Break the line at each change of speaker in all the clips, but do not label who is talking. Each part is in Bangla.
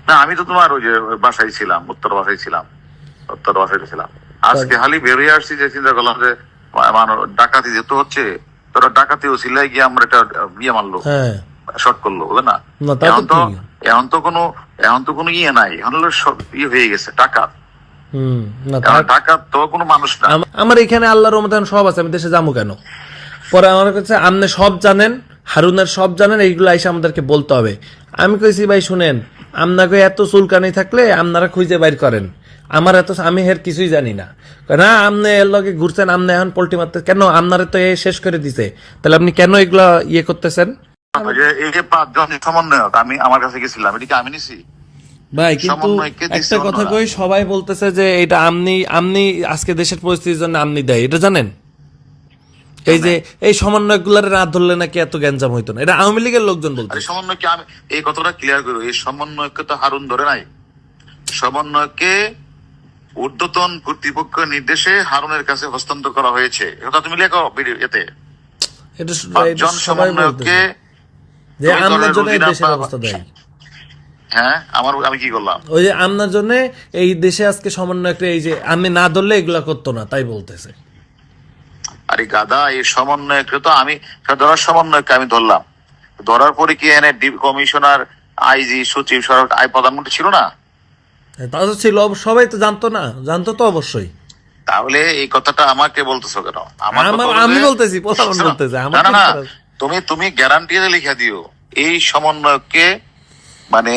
না আমি তো তোমার ওই যে বাসায় ছিলাম, উত্তর বাসায় ছিলাম। আজকে খালি বেরিয়ে আসছি যে চিন্তা করলাম যে ডাকাতি যেহেতু হচ্ছে, তোরা ডাকাতি ও সিলাই গিয়ে আমরা এটা বিয়ে মারলো, শর্ট করলো, বুঝলে না? এখন তো কোনো ইয়ে নাই, এখন হলো সব ইয়ে হয়ে গেছে, ডাকাত। ডাকাত তো কোনো মানুষ না।
আমার এখানে আল্লাহর রহমতে সব আছে, আমি দেশে যাবো কেন? পরে আমার কাছে আপনি সব জানেন, হারুনের সব জানেন, এইগুলো এসে আমাদেরকে বলতে হবে। আমি কইছি ভাই শুনেন, আপনাকে এত চুলকানি থাকলে আপনারা খুঁজে বাইর করেন, আমার আমি এর কিছুই জানি না। না আপনি এর লগে ঘুরছেন, আপনি এখন পোল্টি মারতে কেন? আপনারা তো এ শেষ করে দিছে, তাহলে আপনি কেন এগুলা ইয়ে করতেছেন?
এই যে 5 জন সমন্বয়ক আমি আমার কাছে গেছিলাম, এটা কি আমি নিছি?
ভাই কিন্তু একটা কথা কই, সবাই বলতেছে যে এটা আমনি আজকে দেশের পরিস্থিতির জন্য আমনি দেয়, এটা জানেন? এই যে এই সমন্বয়ক গুলার রাত ধরলে নাকি এত গ্যাঞ্জাম হইতো না, এটা আওয়ামী লীগের লোকজন বলতো।
সমন্বয়কে আমি এই কথাটা ক্লিয়ার করবো, এই সমন্বয়কে তো হারুন ধরে নাই। সমন্বয়কে ঊর্ধ্বতন কর্তৃপক্ষ নির্দেশে হারুনের কাছে হস্তান্তর করা হয়েছে, এটা তুমি লেখো এতে। জন সমন্বয়ককে
যে আমনের জন্য এই দেশের অবস্থা দেয়।
হ্যাঁ, আমি কি করলাম?
ওই যে আমনার জন্য এই দেশে আজকে সমন্বয়করা, এই যে আমি না ধরলে এগুলা করতো না, তাই বলতেছে।
আরে গাদা, এই সমন্বয়কে তো আমি ধরার সমন্বয়কে আমি ধরলাম, ধরার পরে কি এনে কমিশনার, আইজি, সচিব, প্রধানমন্ত্রী ছিল না?
তা তো ছিল, সবাই তো জানতো না? জানতো তো অবশ্যই।
তাহলে এই কথাটা আমাকে বলতেছো কেন?
আমি বলতেছি, বলতেছে
না, তুমি গ্যারান্টি লিখে দিও এই সমন্বয়কে, মানে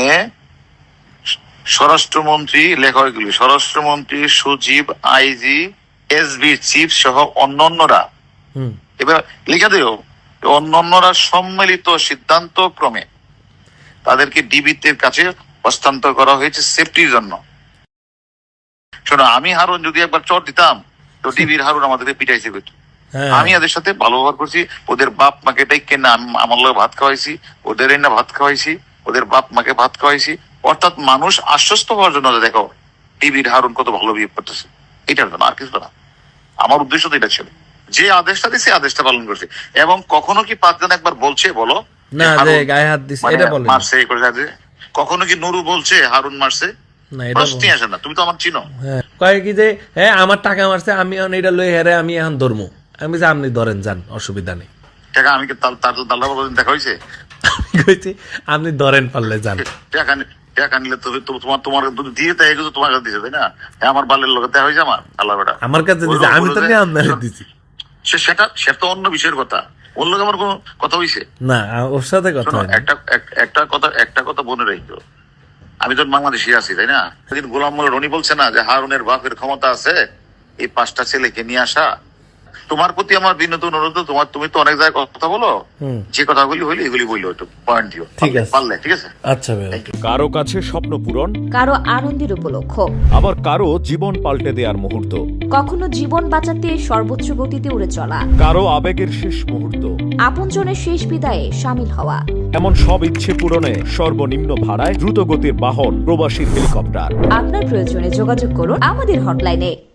স্বরাষ্ট্রমন্ত্রী, লেখা এগুলি স্বরাষ্ট্রমন্ত্রী, সচিব, আইজি, এসবি চিফ সহ অন্যান্যরা, এবার লিখে দিও অন্যান্যরা সম্মিলিত সিদ্ধান্ত ক্রমে তাদেরকে ডিবির কাছে হস্তান্তর করা হয়েছে সেফটির জন্য। শোনো, আমি হারুন যদি একবার চট দিতাম তো ডিবির হারুন আমাদেরকে পিটাইছে করতো। আমি এদের সাথে ভালো ব্যবহার করছি, ওদের বাপ মাকে এটাই কেনা আমার লোক ভাত খাওয়াইছি, ওদের না ভাত খাওয়াইছি, ওদের বাপ মাকে ভাত খাওয়াইছি। অর্থাৎ মানুষ আশ্বস্ত হওয়ার জন্য, দেখো ডিবির হারুন কত ভালো বিহেভ করতেছে, এটার জন্য, আর কিছু না। আমার উদ্দেশ্য তো এটা ছিল, যে আদেশটা দিছে আদেশটা পালন করছে। এবং কখনো কি 5 জন একবার বলছে বলো
না যে গায়ে হাত দিছে, এটা বলে
মারছে এই করে? কখনো কি নুরু বলছে হারুন মারছে?
না, এটা
প্রশ্নই আসে না। তুমি তো আমার চিনো।
কয় কি যে হ্যাঁ আমার টাকা মারছে, আমি এখন এটা লই হেরে আমি এখন ধরমু। আমি যে আপনি ধরেন, যান, অসুবিধা নেই।
টাকা আমি কি তার দেখা হয়েছে?
আমি কইছি আপনি ধরেন, পারলে যান।
টাকা নিলে তো তোমার দিয়ে তাই এগুলো তোমার কাছে দিছে, তাই না? আমার বালের লোক দেখা হয়েছে আমার আল্লাহ বেটা,
আমার কাছে দিছে, আমি তো নিয়ে আপনার দিছি।
সেটা অন্য বিষয়ের কথা, ওর লোক আমার কোনো কথা হয়েছে
না, ওর সাথে কথা
একটা কথা মনে রাখতো, আমি তো বাংলাদেশে আছি, তাই না? সেদিন গোলাম মোল্লা রনি বলছে না যে হারুনের বাপের ক্ষমতা আছে এই 5টা ছেলেকে নিয়ে আসা। তোমার প্রতি আমার বিনীত অনুরোধ, তুমি তো অনেক জায়গায় কথা বলো, যে কথাগুলি হইলে এগুলি বললো, একটু পয়েন্ট দিও, পারলে। ঠিক আছে?
আচ্ছা ভাই।
কারো কাছে স্বপ্ন পূরণ,
কারো আনন্দের উপলক্ষ,
আবার কারো জীবন পাল্টে দেওয়ার মুহূর্ত,
কখনো জীবন বাঁচাতে সর্বোচ্চ গতিতে উড়ে চলা,
কারো আবেগের শেষ মুহূর্ত,
আপনজনের শেষ বিদায়ে শামিল হওয়া,
এমন সব ইচ্ছে পূরণে সর্বনিম্ন ভাড়ায় দ্রুত গতির বাহন প্রবাসী হেলিকপ্টার।
আপনার প্রয়োজনে যোগাযোগ করুন আমাদের হটলাইনে।